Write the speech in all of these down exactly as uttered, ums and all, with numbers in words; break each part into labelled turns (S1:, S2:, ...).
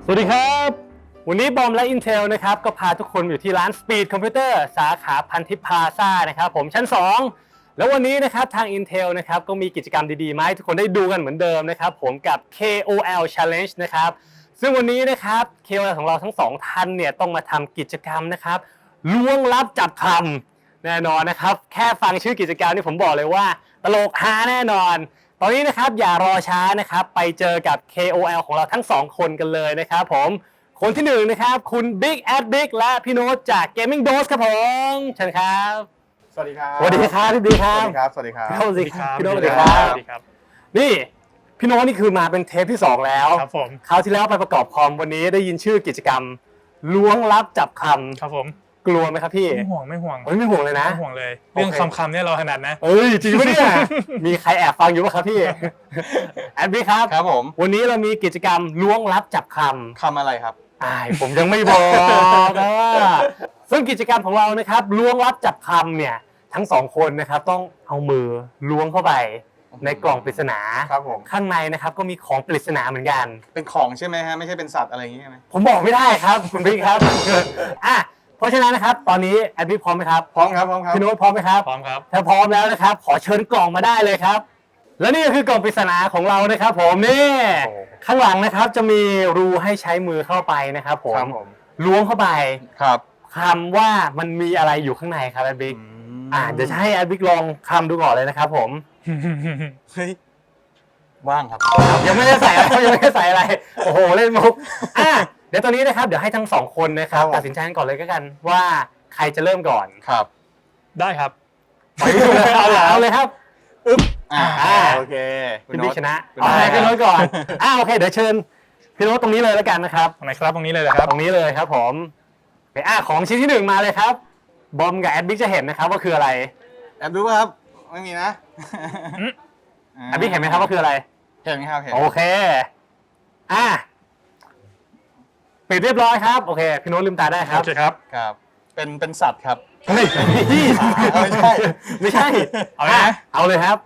S1: สวัสดีครับวันนี้บอมและ Intel นะครับก็พาทุกคนอยู่ที่ร้าน Speed Computer สาขาพันทิพย์พลาซ่านะครับผมชั้นสองแล้ววันนี้นะครับทาง Intel นะครับก็มีกิจกรรมดีๆมาให้ทุกคนได้ดูกันเหมือนเดิมนะครับผมกับ เค โอ แอล Challenge นะครับซึ่งวันนี้นะครับ เค โอ แอล ของเราทั้งสองท่านเนี่ยต้องมาทำกิจกรรมนะครับล้วงลับจับคำแน่นอนนะครับแค่ฟังชื่อกิจกรรมนี่ผมบอกเลยว่าตลกฮาแน่นอนตอนนี้นะครับอย่ารอช้านะครับไปเจอกับ เค โอ แอล ของเราทั้งสองคนกันเลยนะครับผมคนที่หนึ่งนะครับคุณ Big at Big และพี่โน้ตจาก Gaming Dose ครับผมเชิญครับ
S2: สวัสดีครับ
S1: สวัสดีครับพี่บิ๊กครับ
S2: สวัสดีครับ สวัสดีครับ
S1: สวัสดีครับพี่โน้ตสวัสดีครับ
S3: บ
S1: นี่พี่โน้ตนี่คือมาเป็นเทปที่สองแล้ว
S3: ครับผม
S1: คราวที่แล้วไปประกอบคอมวันนี้ได้ยินชื่อกิจกรรมล้วงลับจับคำ
S3: ครับผม
S1: กลัวไหมครับพี่
S3: ไม่ห่วงไม่ห่วง
S1: เฮ้ยไม่ห่วงเลยนะ
S3: ไม่ห่วงเลยเรื่องคำคำเนี่ยเราถนัดนะ
S1: เอ้ยจริงปะเนี่ย มีใครแอบฟังอยู่ป่ะครับพี่แอดบิ๊กครับ
S2: ครับผม
S1: วันนี้เรามีกิจกรรมล้วงลับจับคำ
S2: คำอะไรครับ
S1: อ้ายผมยังไม่บอกนะว่าซึ่งกิจกรรมของเรานะครับล้วงลับจับคำเนี่ยทั้งสองคนนะครับต้องเอามือล้วงเข้าไปในกล่องปริศนา
S2: ครับผม
S1: ข้างในนะครับก็มีของปริศนาเหมือนกัน
S2: เป็นของใช่ไหมฮะไม่ใช่เป็นสัตว์อะไรอย่างงี้ใช่ไหม
S1: ผมบอกไม่ได้ครับคุณบิ๊กครับ อ่ะเพราะฉะนั้นนะครับตอนนี้แอดบิ๊กพร้อมไหมครับ
S2: พร้อมครับพร้อมครับ
S1: พี่โน้ตพร้อมไหมครับ
S3: พร้อมครับ
S1: ถ้าพร้อมแล้วนะครับขอเชิญกล่องมาได้เลยครับและนี่ก็คือกล่องปริศนาของเรานะครับผมนี่ข้างหลังนะครับจะมีรูให้ใช้มือเข้าไปนะครับผมล้วงเข้าไป
S2: ครับ
S1: คำว่ามันมีอะไรอยู่ข้างในครับแอดบิ๊กอ่าเดี๋ยวจะให้แอดบิ๊กลองคำดูก่อนเลยนะครับผม
S2: เฮ้ยว่างครับ
S1: ยังไม่ได้ใส่อะไรยังไม่ได้ใส่อะไรโอ้โหเล่นมุกอ่ะเดี๋ยวตอนนี้นะครับเดี๋ยวให้ทั้งสองคนนะครับตัดสินใจกันก่อนเลยก็กันว่าใครจะเริ่มก่อน
S2: ครับ
S3: ได้ครับ
S1: ปล่อยดูเลยเอาเอาเลยครับ
S2: อึ๊บอ่าโอเค
S1: พี่บิ๊กชนะเอาให้พี่โน้ตก่อนอ่าโอเคเดี๋ยวเชิญพี่โน้ตตรงนี้เลยแล้วกันนะครับ
S3: ตรงไหนครับตรงนี้เลยเลยครับ
S1: ตรงนี้เลยครับผมไปอ่าของชิ้นที่หนึ่งมาเลยครับบอมกับแอดบิ๊กจะเห็นนะครับว่าคืออะไร
S2: แอบดูป่ะครับไม่มีนะ
S1: แอดบิ๊กเห็นไหมครับว่าคืออะไร
S2: เห็นครับเห็น
S1: โอเคอ่าปิดเรียบร้อยครับโอเคพี่โน้ตลืมตาได้ครับ
S3: โอเคครับ
S2: ครับเป็นเป็นสัตว์ครับ
S1: เฮ้ย
S2: ไม่ใช่
S1: ไม่ใช่
S3: เอาเลยนะ
S1: เอาเลยครับ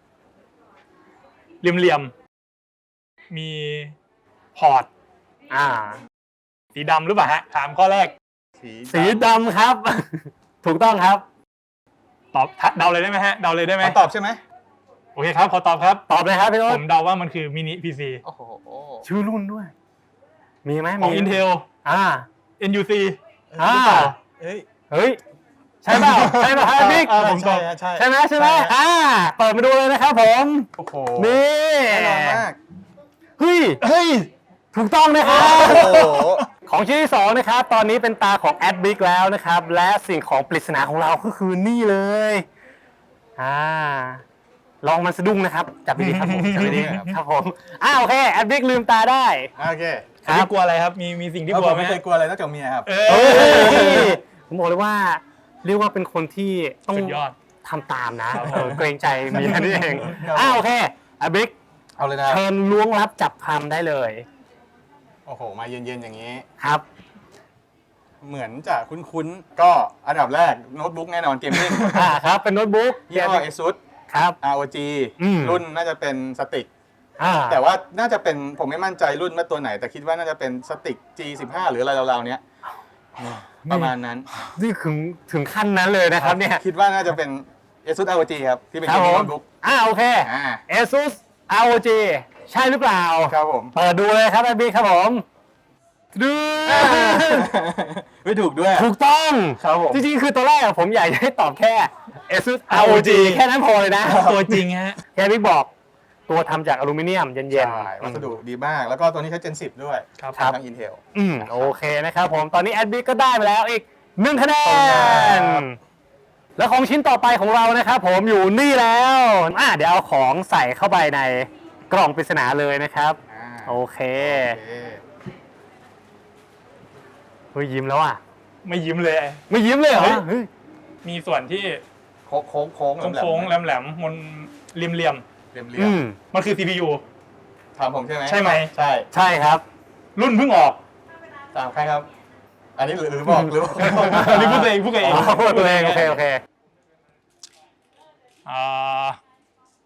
S3: เหลี่ยมๆมีพอร์ต
S1: อ่า
S3: สีดำหรือเปล่าฮะถามข้อแรก
S1: สีดำครับถูกต้องครับ
S3: ตอบเดาเลยได้ไหมฮะเดาเลยได้ไหม
S2: ตอบใช่ไหม
S3: โอเคครับขอตอบครับ
S1: ตอบเลยครับพี่โน้ต
S3: ผมเดาว่ามันคือมินิพีซี
S2: โอ้โห
S1: ชื่อรุ่นด้วยมีไหม
S3: ของ Intel
S1: อ่า
S3: เอ็น ยู ซี
S1: อ่า
S2: เฮ้ย
S1: เฮ้ยใช่เปล่าใช่เปล่าครับบิ๊ก
S2: ผมตอบใช่
S1: ใช่ไหมใช่ไหมอ่าเปิดมาดูเลยนะครับผม
S2: โอ้โห
S1: นี่
S2: แน่นอนมาก
S1: เฮ้ย
S2: เฮ้ย
S1: ถูกต้องนะครับ
S2: โอ้โห
S1: ของชิ้นที่สองนะครับตอนนี้เป็นตาของแอดบิ๊กแล้วนะครับและสิ่งของปริศนาของเราก็คือนี่เลยอ่าลองมันสะดุ้งนะครับจับดีๆครับผมจับดีๆครับผมอ่าโอเคแอดบิ๊กลืมตาได้
S2: โอเค
S3: ครับกลัวอะไรครับมีมีสิ่งที่กลัวไหม
S2: ไม่เคยกลัวอะไรนอกจากเมียครับ
S1: เอ้ยผมบอกเลยว่าเรียกว่าเป็นคนที่ต้องทำตามนะเกรงใจเมียนี่เองอ่าโอเคแอดบิ๊ก
S2: เอาเลยนะ
S1: เชิญล้วงลับจับคำได้เลย
S2: โอ้โหมาเย็นๆอย่างนี้
S1: ครับ
S2: เหมือนจะคุ้นๆก็อันดับแรกโน้ตบุ๊กแน่นอนเกมมิ่ง
S1: อ่าครับเป็นโน้ตบุ๊ก
S2: ยี่ห้อ Asus
S1: ครับ
S2: อาร์ โอ จี รุ่นน่าจะเป็นสติกแต่ว่าน่าจะเป็นผมไม่มั่นใจรุ่นว่าตัวไหนแต่คิดว่าน่าจะเป็นสติก จี สิบห้า หรืออะไรราวๆเนี้ยประมาณนั้น
S1: นี่ถึงถึงขั้นนั้นเลยนะครับเนี่ย
S2: คิดว่าน่าจะเป็น Asus อาร์ โอ จี ครับที่เป็นเกมมิ่งโน้ตบุ๊ก
S1: อ่าโอเค Asus อาร์ โอ จี ใช่หรือเปล่า
S2: ครับผม
S1: เปิดดูเลยครับแอดบิ๊กครับผมดู
S2: ไม่ถูกด้วย
S1: ถูกต้อง
S2: ครับผม
S1: จริงๆคือตัวแรกผมอยากให้ตอบแค่ Asus อาร์ โอ จี แค่นั้นพอเลยนะ
S3: ตัวจริงฮะ
S1: แค่บิ๊กบอกตัวทำจากอลูมิเนียมเย็น
S2: ๆวัสดุดีมากแล้วก็ตัวนี้ใช้ Gen สิบด้วย
S1: ครับ
S2: ทาง Intel
S1: อืมโอเคนะครับผมตอนนี้แอดบิ๊กก็ได้ไปแล้วอีกหนึ่งคะแนนแล้วของชิ้นต่อไปของเรานะครับผมอยู่นี่แล้วอ่ะเดี๋ยวเอาของใส่เข้าไปในกล่องปริศนาเลยนะครับโอเคเฮ้ยยิ้มแล้วอ่ะ
S3: ไม่ยิ้มเลย
S1: ไม่ยิ้มเลยเหรอ
S3: มีส่วนที่
S2: โค้งโค้งโค้ง
S3: โค้งแหลมแหลมมันเหลี่ยมเหลี่ยม
S2: เหลี่ยมเหลี่ยม
S3: มันคือ ซี พี ยู
S2: ถามผมใช่ไหม
S3: ใช่ไหม
S2: ใช่
S1: ใช่ครับ
S3: รุ่นเพิ่งออก
S2: ถามใครครับอันนี้หรือบอกหรือ
S3: อันนี้พูดตัวเองพูดตัวเอง
S1: พูดตัวเองโอเคโอเค
S3: อ่า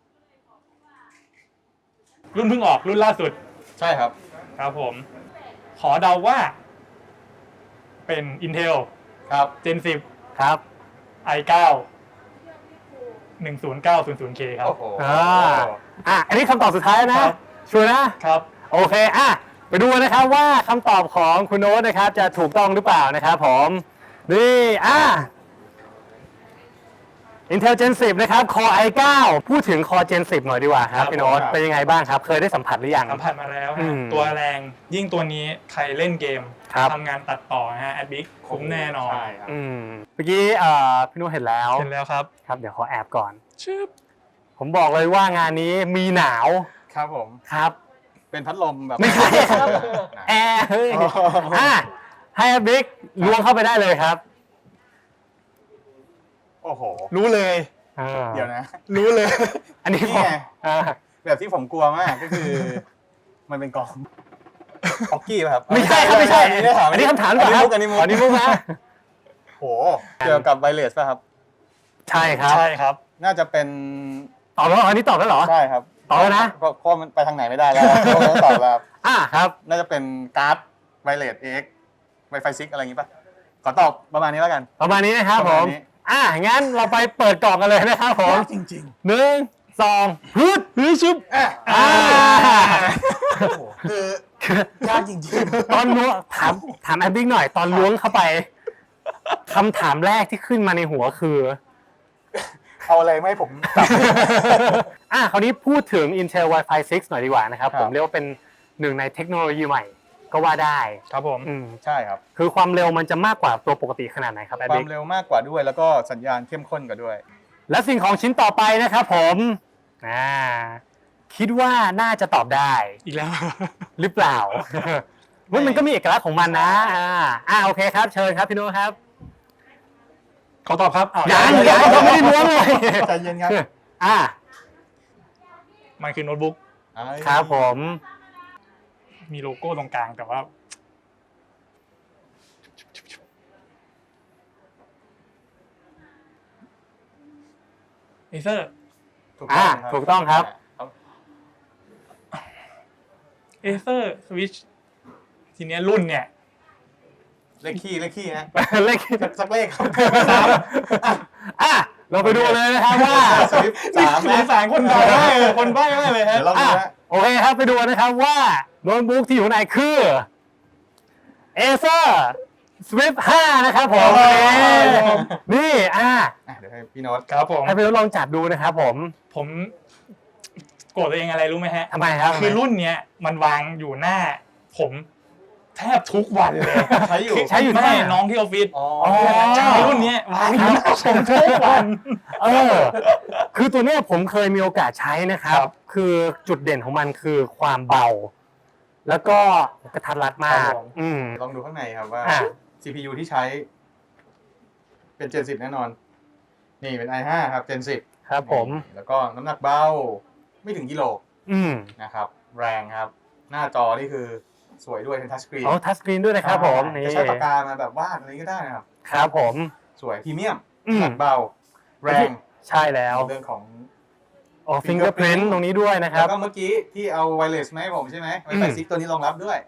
S3: รุ่นเพิ่งออกรุ่นล่าสุด
S2: ใช่ครับ
S3: ครับผมขอเดาว่า เป็น Intel
S2: ครับ
S3: Gen สิบ
S1: ครับ
S3: ไอ เก้า หนึ่งศูนย์เก้าศูนย์ศูนย์ เค ครับ
S2: โอ้โห
S1: อ่าอ่ะอันนี้คำตอบสุดท้ายนะครับ ชัวร์นะ
S3: ครับ
S1: โอเค อ่ะ ไปดูนะครับว่าคำตอบของคุณโน้ตนะครับจะถูกต้องหรือเปล่านะครับผม นี่ อ่ะ Intel Gen สิบนะครับ Core ไอ เก้า พูดถึง Core Gen สิบหน่อยดีกว่าครับ
S3: ครับ
S1: พี่โน้ต
S2: ครับ
S1: เป็นยังไงบ้างครับ เคยได้สัมผัสหรือยัง
S3: สัมผัสมาแล้ว
S1: อื
S3: ฮะ
S1: ม
S3: ตัวแรงยิ่งตัวนี้ใครเล่นเกม
S1: ครับ
S3: ทำงานตัดต่อนะฮะแอดบิ๊กคุ้มแน่นอน
S2: ใช่ครับ
S1: อืม เมื่อกี้เอ่อพี่โน้ตเห็นแล้ว
S3: เห็นแล้วครับ
S1: ครับ เดี๋ยวขอแอบก่อน
S3: ชึบ
S1: ผมบอกเลยว่างานนี้มีหนาว
S2: ครับผม
S1: ครับ
S2: เป็นพัดลมแบบ
S1: ไม่ใช่ครับ แอร์เฮ้ย
S2: อ๋ออ่
S1: อ่ะให้บิ๊กล้วงเข้าไปได้เลยครับ
S2: โอ้โห
S3: รู้เลย
S1: อ่า
S2: เดี๋ยวนะ
S3: รู้เลย
S1: อันนี้
S2: นี่
S1: ผม
S2: ไง
S1: อ่า
S2: แบบที่ผมกลัวมากก็คือ มันเป็นกล่องฮอกกี้ป่ะครับ
S1: ไม่ใช่ครับไม่ใช่
S2: อันนี้ถาม
S1: อันนี้คำถามก่อนครับ
S2: อันนี้มุก
S1: อั
S2: อั
S1: น
S2: น
S1: นี้
S2: นี้มุก
S1: มุกนะ
S2: โหเกี่ยวกับไวเลสป่ะครับ
S1: ใช่ครับ
S3: ใช่ครับ
S2: น่าจะเป็น
S1: ตอบแล้วเหรออันนี้ตอบแล้วเหรอ
S2: ใช่ครับ
S1: ตอบแล้วนะ
S2: เพราะเพราะมันไปทางไหนไม่ได้แล้วผมต้องตอบแล้วครับ
S1: อ่าครับ
S2: น่าจะเป็นการ์ดไวเลสเอ็กไวไฟซิกอะไรอย่างงี้ป่ะขอตอบประมาณนี้แล้วกัน
S1: ประมาณนี้นะครับ
S2: ป
S1: ผ
S2: ระมาณ
S1: ม
S2: นี้
S1: อ่างั้นเราไปเปิดกล่องกันเลยนะครับผม
S2: จริง
S1: หนึ่งสองฮึดฮึดชุบ
S2: ๆอ่ะ
S1: อ่า
S2: คือยากจริง
S1: ตอนล้วงถามถามแอดบิ๊กหน่อย ตอนล้วงเข้าไปคำถามแรกที่ขึ้นมาในหัวคือ
S2: ๆเอาอะไรไม่ให้ผมตอบ
S1: อ่ะคราวนี้พูดถึง Intel Wi-Fi ซิกหน่อยดีกว่านะครับ
S2: ครับ
S1: ผมเรียกว่าเป็นหนึ่งในเทคโนโลยีใหม่ก็ว่าได้
S3: ครับผม
S1: อืม
S2: ใช่ครับ
S1: คือความเร็วมันจะมากกว่าตัวปกติขนาดไหนครับแอด
S2: ควา
S1: บิ๊
S2: ม
S1: ก
S2: เร็วมากกว่าด้วย แล้วก็สัญญาณเข้มข้นกว่าด้วย
S1: และสิ่งของชิ้นต่อไปนะครับผมอ่าคิดว่าน่าจะตอบได้
S3: อีกแล้ว
S1: หรือเปล่า เฮ้ยมันก็มีเอกลักษณ์ของมันนะอ่าอ่าโอเคครับ เชิญครับพี่โน้ตครับ
S3: ขอตอบครับอ้าว
S1: ยังยังเขาไม่ได้ล้วงเลย
S2: ใจเย็นครับ
S1: อ่า
S3: มันคือโน้ตบุ๊ก
S1: ครับผม
S3: มีโลโก้ตรงกลางแต่ว่า เอเซอร์
S2: ถูก
S1: อ่า
S2: ต้องครับ
S1: ถูกต้องครับ
S3: เอเซอร์สวิชทีเนี้ยรุ่นเนี่ย
S2: เลขขี้เลขขี้ฮะ
S1: เลข
S2: สักเลขครับ
S1: อ่ะเราไปดูเลยนะครับว่า
S2: สวิฟสาม
S3: สงสารคนใบ้มากเลยคนใบ้มากเลยฮะ
S2: เดี๋ยวเราดู
S1: อ่ะ
S2: นะ
S1: โอเคครับไปดูนะครับว่าโน้ตบุ๊กที่อยู่ในคือ Acer Swift ห้านะครับผมนี่อ่ะ
S2: อ่ะเดี๋ยวให้พี่โน้ต
S3: ครับผม
S1: ให้พี่โน้ตลองจับดูนะครับผม
S3: ผมโกรธตัวเองอะไรรู้ไหมฮะ
S1: ทำไมครับ
S3: คือรุ่นเนี้ยมันวางอยู่หน้า ผมแทบทุกวันเลย
S2: ใช้อยู่
S1: ใช้อยู่
S3: ไม่
S1: ที่ไหน
S3: น้องที่ออฟฟิศ
S2: อ๋อ
S3: ใช้รุ่นเนี้ยวางอยู่หน้าผมทุกวัน
S1: เออคือตัวเนี้ยผมเคยมีโอกาสใช้นะครับ
S3: ครับ
S1: คือจุดเด่นของมันคือความเบา แล้วก็กระทัดรัดมาก อืม
S2: ลองดูข้างในครับว่า
S1: อ่ะ
S2: ซี พี ยู ที่ใช้ เป็น Gen สิบแน่นอน นี่เป็น ไอ ไฟว์ ครับ Gen สิบ
S1: ครับผม
S2: แล้วก็น้ำหนักเบา ไม่ถึงกิโล
S1: อืม
S2: นะครับ แรงครับ หน้าจอนี่คือสวยด้วยเป็นทัชสกรีน
S1: เอาทัชสกรีนด้วยนะครับผมนี่
S2: จะใช้ปากกามาแบบวาดอะไรก็ได้นะครับ
S1: ครับผม
S2: สวยพรีเมียม
S1: อืม
S2: หนักเบา แรง
S1: ใช่แล้ว
S2: เรื่องของ
S1: โอ้ฟิงเกอร์พริน
S2: Fingerprint
S1: ตรงนี้ด้วยนะค
S2: แล้
S1: รับ
S2: วก็เมื่อกี้ที่เอาไวเลสมาให้ผมใช่ไหมไวไฟ
S1: อืม
S2: ซิกตัวนี้รองรับด้วย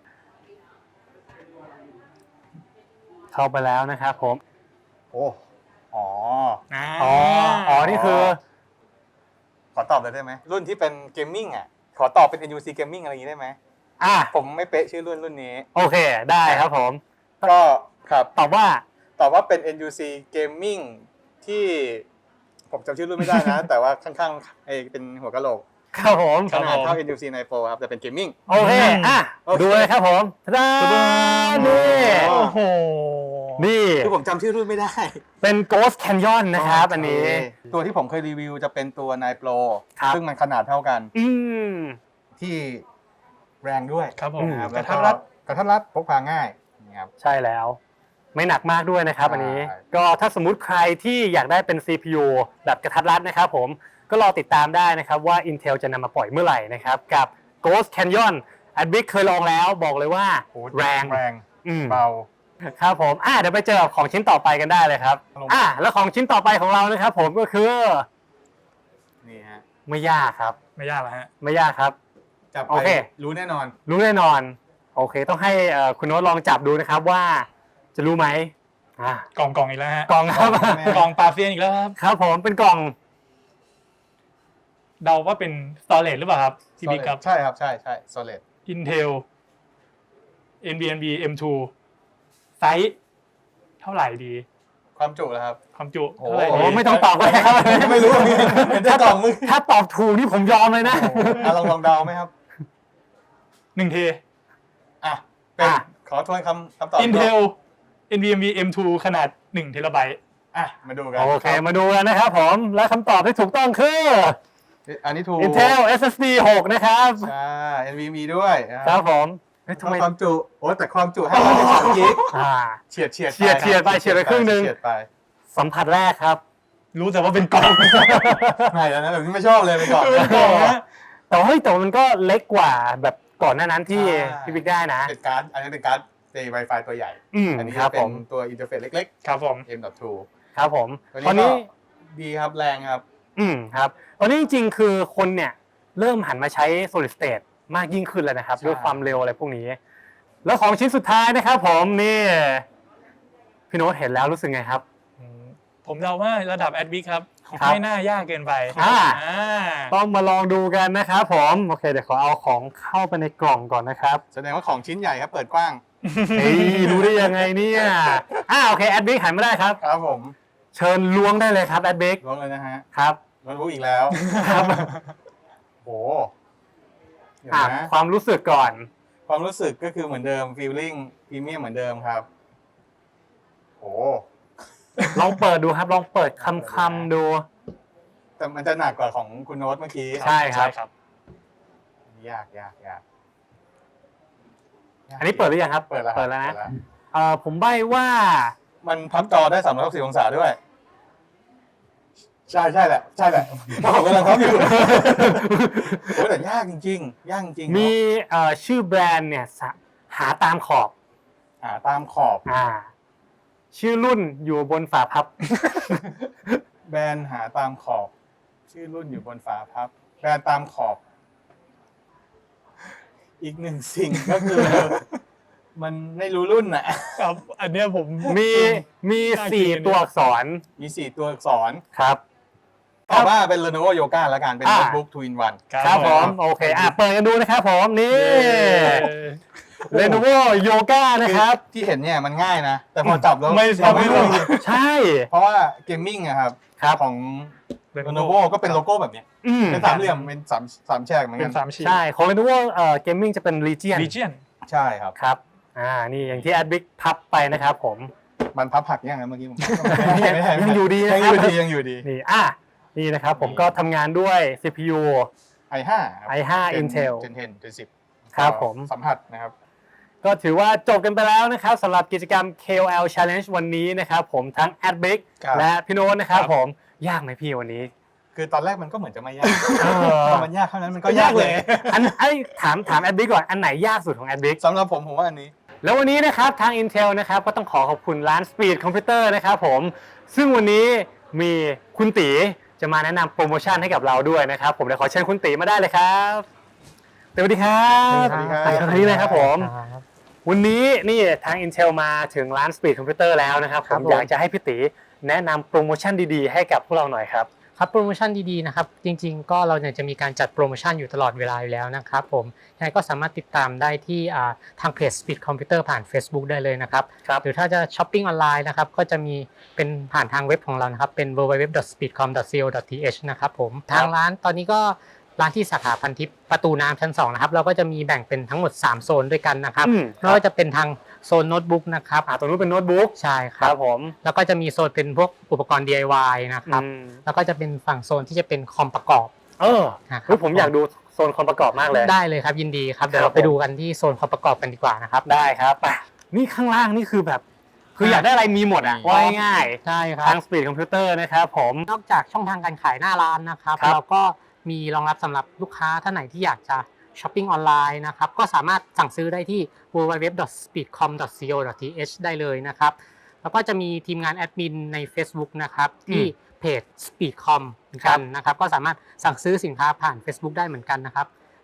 S1: เข้าไปแล้วนะครับผม
S2: โอ้อ๋อ
S1: อ๋อ อ๋อ นี่คือ
S2: ขอตอบเลยได้ไหม รุ่นที่เป็นเกมมิ่งอ่ะ ขอตอบเป็น เอ็น ยู ซี Gaming อะไรอย่างนี้ได้ไหม
S1: อ่ะ
S2: ผมไม่เป๊ะชื่อรุ่นรุ่นนี้
S1: โอเค ได้ครับผม
S2: ก็ครับ
S1: ตอบว่า
S2: ตอบว่าเป็น เอ็น ยู ซี Gaming ที่ผมจำชื่อรุ่นไม่ได้นะ แต่ว่าข้างๆไอ้เป็นหัวกะโหลก
S1: ครับผม
S2: ขนาดเท่า เอ็น ยู ซี Nine Pro ครับ แต่เป็นเกมมิ่ง
S1: โอเค อ่ะ
S2: โอเค
S1: ดูเลยครับผมทะดานี่
S3: โอ้โห
S1: นี่
S2: คือผมจำชื่อรุ่นไม่ได้
S1: เป็น Ghost Canyon นะครับ อันนี้
S2: ตัวที่ผมเคยรีวิวจะเป็นตัว Nine Pro
S1: ครับ
S2: ซึ่งมันขนาดเท่ากัน
S1: อืม
S2: ที่แรงด้วย
S3: ครับผม
S2: นะครับ
S3: ก
S2: แล้
S3: ระ
S2: ว
S3: ทั
S2: ก็
S3: ดรัด
S2: กระทัดรัดพกพาง่ายนะครับ
S1: ใช่แล้ว ไม่หนักมากด้วยนะครับ
S2: ใช่
S1: อันนี้ ก็ถ้าสมมุติใครที่อยากได้เป็น ซี พี ยู แบบกระทัดรัดนะครับผม ก็รอติดตามได้นะครับว่า Intel จะนำมาปล่อยเมื่อไหร่นะครับ กับ Ghost Canyon อันบิ๊กเคยลองแล้วบอกเลยว่า
S2: โอ้
S1: แรง
S2: แรง
S1: อืม
S2: เบา
S1: ครับผม อ่ะเดี๋ยวไปเจอกับของชิ้นต่อไปกันได้เลยครับ
S2: ครับผม
S1: อ่ะแล้วของชิ้นต่อไปของเรานะครับผมก็คือ
S2: นี่ฮะ
S1: ไม่ยากครับ
S3: ไม่ยากแล้วฮะ
S1: ไม่ยากครับ
S2: จับ
S1: โอ
S2: ไป
S1: เค
S2: รู้แน่นอน
S1: รู้แน่นอนโอเคต้องให้เอ่อคุณโน้ตลองจับดูนะครับว่าจะรู้ไหมอ่าก
S3: ล่องกล่องอีกแล้วฮะ
S1: กล่องครับ
S3: กล่องปลาเฟียนอีกแล้วครับ
S1: ครับผมเป็นกล่อง
S3: เดาว่าเป็นสตอเรจหรือเปล่าครับพี่บิ๊กครับ
S2: ใช่ครับใช่ใช่ solid
S3: Intel เอ็น วี เอ็น บี เอ็ม ทู ไซส์เท่าไหร่ดี
S2: ความจุแล้วครับ
S3: ความจุ
S2: โอ้
S3: เท่าไหร่
S1: โอ้
S3: ดี
S1: ไม่ต้องตอบเลยครับ
S2: ไม่รู้เป็นได้กล่องมึง
S1: ถ้าตอบถูกนี่ผมยอมเลยนะ
S2: อ่ะลองลองเดาไหมครับ
S3: หนึ่งเท
S2: อ่ะเป็น
S1: อ่ะ
S2: ขอทวนคำคำตอบ
S3: Intel เอ็น วี เอ็ม บี เอ็ม ทู ขนาดหนึ่งเทราไบต์
S2: อ่ะมาดูกัน
S1: โอเคมาดูกันนะครับผมและคำตอบที่ถูกต้องคือ
S2: อันนี้ถูก
S1: Intel เอส เอส ดี หกนะครับ
S2: ใช่ เอ็น วี เอ็ม อี ด้วยนะ
S1: ครับผมเฮ้ยทำไม
S2: ความจุโอ้แต่ความจุให้ร้อยสิบสามกิก
S1: อ่า
S2: เฉียดเฉียด
S1: เฉียดเฉียดไปเฉียดไปครึ่งหนึ่ง
S2: เฉียดไป
S1: สัมผัสแรกครับ
S3: รู้แต่ว่าเป็นกล่อง
S2: ไม่แล้วนะแบบนี้ไม่ชอบเลยไปก่อน
S3: เป็นกล่องนะ
S1: แต่ว่าเฮ้ยแต่ว่ามันก็เล็กกว่าแบบก่อนหน้านั้นที่
S2: ใช่
S1: พี่บิ๊กได้นะ
S2: เป็นการ์ดอันนี้เป็นการ์ดเจ Wi-Fi ตัวใหญ่
S1: อืม
S2: อันนี้
S1: ครั
S2: จะ
S1: บ
S2: เป็
S1: ผ
S2: น
S1: ม
S2: ตัวอินเทอร์เฟซเล็ก
S3: ครับผม
S2: ๆ เอ็ม ดอท ทู
S1: ครับผม
S2: ตัว
S1: ตอน
S2: นี้
S1: นี้
S2: ก็ดีครับแรงครับ
S1: อืมครับตอนนี้จริงๆ คือคนเนี่ยเริ่มหันมาใช้ solid state มากยิ่งขึ้นแล้วนะครับ
S2: ใช่
S1: ด้วยความเร็วอะไรพวกนี้ แล้วของชิ้นสุดท้ายนะครับผมนี่พี่โน้ตเห็นแล้วรู้สึกไงครับ
S3: อืมผมเดาว่าระดับแอดบิ๊กครับ
S1: ครับ
S3: ไม่น่ายากเกินไป
S1: อ่า
S3: อ่า
S1: ต้องมาลองดูกันนะครับผมโอเคเดี๋ยวขอเอาของเข้าไปในกล่องก่อนนะครับ
S2: แสดงว่าของชิ้นใหญ่ครับเปิดกว้าง
S1: เฮ้ยรู้ได้ยังไงเนี่ยอ่าโอเคแอดบิ๊กหันมาได้ครับ
S2: ครับผม
S1: เชิญล้วงได้เลยครับแอดบิ๊ก
S2: ล้วงเลยนะฮะ
S1: ครับ
S2: โน้ตบุ๊กอีกแล้ว
S1: ครับ
S2: โอ้เดี๋ยว
S1: อ่า
S2: นะ
S1: ความรู้สึกก่อน
S2: ความรู้สึกก็คือเหมือนเดิม feeling พรีเมียมเหมือนเดิมครับโอ้
S1: ลองเปิดดูครับลองเปิดคำๆดู
S2: แต่มันจะหนักกว่าของคุณโน้ตเมื่อกี้
S1: ใช่ครับ
S3: ครับ
S2: ยากยากยาก
S1: อันนี้เปิดหรือยังครับ
S2: เปิดแล้ว
S1: เปิดแล้วนะ
S2: เปิด
S1: เอ่อผมใบ้ว่า
S2: มันพับจอได้สามร้อยหกสิบองศาด้วย ใช่ใช่แหละ ใช่แหละผมกำลังพับอยู่ โอ้ยแต่ยากจริงๆยากจริง
S1: มีเอ่อชื่อแบรนด์เนี่ยสะหาตามขอบ
S2: อ่าตามขอบ
S1: อ่า ชื่อรุ่นอยู่บนฝาพับ
S2: แบรนด์หาตามขอบ ชื่อรุ่นอยู่บนฝาพับ แบรนด์ตามขอบ อีกหนึ่งสิ่งก็คือ มันไม่รู้รุ่นน่ะ
S3: ครับ อันเนี้ยผม
S1: มีมีสี่ตัวอักษร
S2: มีสี่ตัวอักษร
S1: ครับ
S2: ตอบว่าเป็น Lenovo Yoga แล้วกันเป็น
S1: อ่า
S2: โน้ตบุ๊ก two in one
S1: ครับผมโอเคอ่ะเปิดกันดูนะครับผมนี่ Lenovo Yoga นะครับ
S2: ที่เห็นเนี่ยมันง่ายนะ แต่พอจับแล้ว
S3: ไม่
S2: เราไม่รู้
S1: ใช่
S2: เพราะว่าเกมมิ่งอะครับ
S1: ครับ
S2: ของ Lenovo ก็เป็นโลโก้แบบเนี้ย
S1: อืม
S2: เป็นสามเหลี่ยมเป็นสามสามแฉกเหมือน
S3: เป็
S2: กัน น
S3: สามชิ้น
S1: ใช่ของ Lenovo เอ่อ Gaming จะเป็น Legion
S3: Legion
S2: ใช่ครับ
S1: ครับอ่านี่อย่างที่ Adbic พับไปนะครับผม
S2: มันพับหักยังไงเมื่อกี้ผม
S1: ยังอยู่ดีนะ
S2: ยัง
S1: ค
S2: อ
S1: รับ
S2: ยู่ดียังอยู่ดี
S1: นี่อ่ะนี่นะครับผมก็ทำงานด้วย ซี พี ยู
S2: ไอ ห้า
S1: ไอ ห้า Intel
S2: Gen 10 Gen สิบ
S1: ครับผม
S2: สัมผัสนะครับ
S1: ก็ถือว่าจบกันไปแล้วนะครับสำหรับกิจกรรม เค โอ แอล Challenge วันนี้นะครับผมทั้ง Adbic
S2: ครับ
S1: และพี่โน้ตนะครับ
S3: ครับ
S1: ผมยากไหมพี่วันนี้
S2: คือตอนแรกมันก็เหมือนจะไม่ยาก
S1: เออ
S2: พอมันยากเท่านั้นมันก็ยากเลย
S1: อันไอ้ถามถาม Adbic ก่อนอันไหนยากสุดของ Adbic
S2: สำหรับผมผมว่าอันนี้
S1: แล้ววันนี้นะครับทาง Intel นะครับก็ต้องขอขอบคุณร้าน Speed Computer นะครับผมซึ่งวันนี้มีคุณตีจะมาแนะนำโปรโมชั่นให้กับเราด้วยนะครับผมเดี๋ยวขอเชิญคุณตีมาได้เลยครับสวัสดีครับ
S2: สวัสดีครับ
S1: สวัสดีเลยครับผมวันนี้นี่ทาง Intel มาถึงร้าน Speed Computer แล้วนะครับผมอยากจะให้พี่ตีแนะนำโปรโมชั่นดีๆให้กับพวกเราหน่อยครับ
S4: ครับโปรโมชั่นดีๆนะครับจริงๆก็เราเนี่ยจะมีการจัดโปรโมชั่นอยู่ตลอดเวลาอยู่แล้วนะครับผมยังไงก็สามารถติดตามได้ที่อ่าทางเพจ Speed Computer ผ่าน Facebook ได้เลยนะครับ
S1: ครับ
S4: หรือถ้าจะช้อปปิ้งออนไลน์นะครับก็จะมีเป็นผ่านทางเว็บของเรานะครับเป็น ดับเบิลยู ดับเบิลยู ดับเบิลยู ดอท สปีดคอม ดอท ซี โอ ดอท ที เอช นะครับผมทางร้านตอนนี้ก็ร้านที่สาขาพันทิพย์ประตูน้ำชั้นสองนะครับเราก็จะมีแบ่งเป็นทั้งหมดสามโซนด้วยกันนะครับ
S1: อืม
S4: ไม่ว่าจะเป็นทางโซนโน้ตบุ๊กนะครับ
S1: อ่าตรงนู้นเป็นโน้ตบุ๊ก
S4: ใช่ค
S1: ค
S4: รั
S1: รั
S4: บบ
S1: ผม
S4: แล้วก็จะมีโซนเป็นพวกอุปกรณ์ ดี ไอ วาย นะครับ
S1: อืม
S4: แล้วก็จะเป็นฝั่งโซนที่จะเป็นคอมประกอบ
S1: เออ
S4: นะครับ
S1: เฮ้ยผมอยากดูโซนคอมประกอบมากเลย
S4: ได้เลยครับยินดีครับเดี๋ยว
S1: ครับ
S4: เราไปดูกันที่โซนคอมประกอบกันดีกว่านะครับ
S1: ได้ครับไปนี่ข้างล่างนี่คือแบบ คืออยากได้อะไรมีหมดอ่ะ
S2: มี
S1: ว่าง่าย
S4: ใช่ค
S1: ๆ
S4: รั
S1: ทา
S4: บ
S1: ง Speed Computer นะครับผม
S4: นอกจากช่องทางการขายหน้าร้านนะครับ
S1: ครับ
S4: เราก็มีรองรับสำหรับลูกค้าท่านไหนที่อยากจะช้อปปิ้งออนไลน์นะครับก็สามารถสั่งซื้อได้ที่ ดับเบิลยู ดับเบิลยู ดับเบิลยู ดอท สปีดคอม ดอท ซี โอ ดอท ที เอช ได้เลยนะครับแล้วก็จะมีทีมงานแอดมินใน Facebook นะครับที่เพจ Speedcom เหมือนกันนะครับก็สามารถสั่งซื้อสินค้าผ่าน Facebook ได้เหมือนกันนะครับ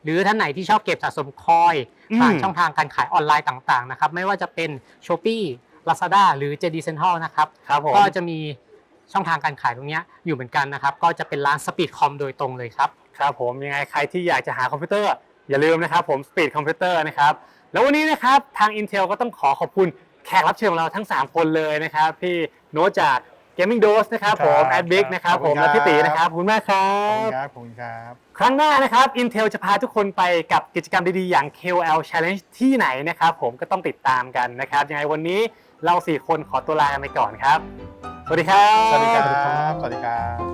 S4: หรือท่านไหนที่ชอบเก็บสะสมคอยผ่านช่องทางการขายออนไลน์ต่างๆนะครับไม่ว่าจะเป็น Shopee Lazada หรือ เจ ดี Central นะครับ
S1: ครับผม
S4: ก็จะมีช่องทางการขายตรงนี้อยู่เหมือนกันนะครับก็จะเป็นร้าน Speedcom โดยตรงเลยครับ
S1: ครับผมยังไงใครที่อยากจะหาคอมพิวเตอร์อย่าลืมนะครับผม Speed Computer นะครับแล้ววันนี้นะครับทาง Intel ก็ต้องขอขอบคุณแขกรับเชิญของเราทั้งสามคนเลยนะครับพี่โน้ตจาก Gaming Dose นะครับผม
S2: ครับ
S1: แอดบิ๊กนะครับผม
S2: ขอบคุณครับ
S1: และพี่ตีนะครับขอบคุณมากครั
S2: ขอบคุณ
S1: บ
S2: ครับขอบคุณครับ
S1: ครั้งหน้านะครับ Intel จะพาทุกคนไปกับกิจกรรมดีๆ อย่าง เค โอ แอล Challenge ที่ไหนนะครับผมก็ต้องติดตามกันนะครับยังไงวันนี้เราสี่คนขอตัวลากันไปก่อนครับ สวัสดีครับ
S2: สวัสดีครับ สวัสดีครับ